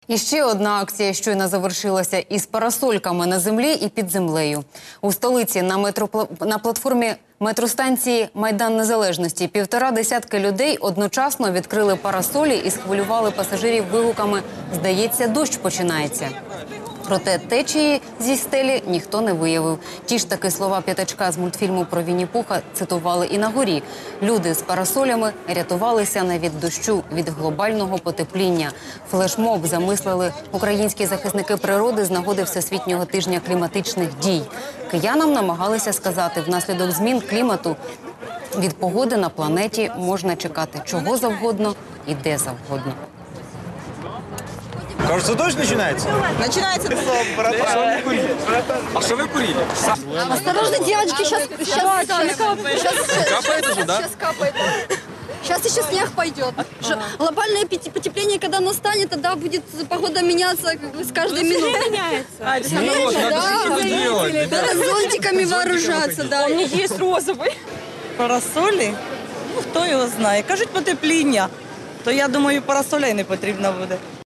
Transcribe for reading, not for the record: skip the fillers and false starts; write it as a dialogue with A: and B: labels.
A: І ще одна акція щойно завершилася із парасольками на землі і під землею. У столиці на платформі метростанції «Майдан Незалежності» 1,5 десятки людей одночасно відкрили парасолі і схвилювали пасажирів вигуками «Здається, дощ починається». Проте течії зі стелі ніхто не виявив. Ті ж таки слова П'ятачка з мультфільму про Вінні-Пуха цитували і на горі. Люди з парасолями рятувалися не від дощу, від глобального потепління. Флешмоб замислили українські захисники природи з нагоди Всесвітнього тижня кліматичних дій. Киянам намагалися сказати, внаслідок змін клімату від погоди на планеті можна чекати чого завгодно і де завгодно.
B: Кажется, дождь начинается?
C: Начинается.
D: А что вы курили?
E: Осторожно, девочки, сейчас
D: Капает уже, да?
E: капает. Сейчас еще снег пойдет. Глобальное потепление, когда настанет, тогда будет погода меняться с каждой минутой. Надо зонтиками вооружаться, да.
C: У меня есть розовый. Парасолі? Ну, хто його знає. Кажуть, потепління. То я думаю, парасолей не потрібно буде.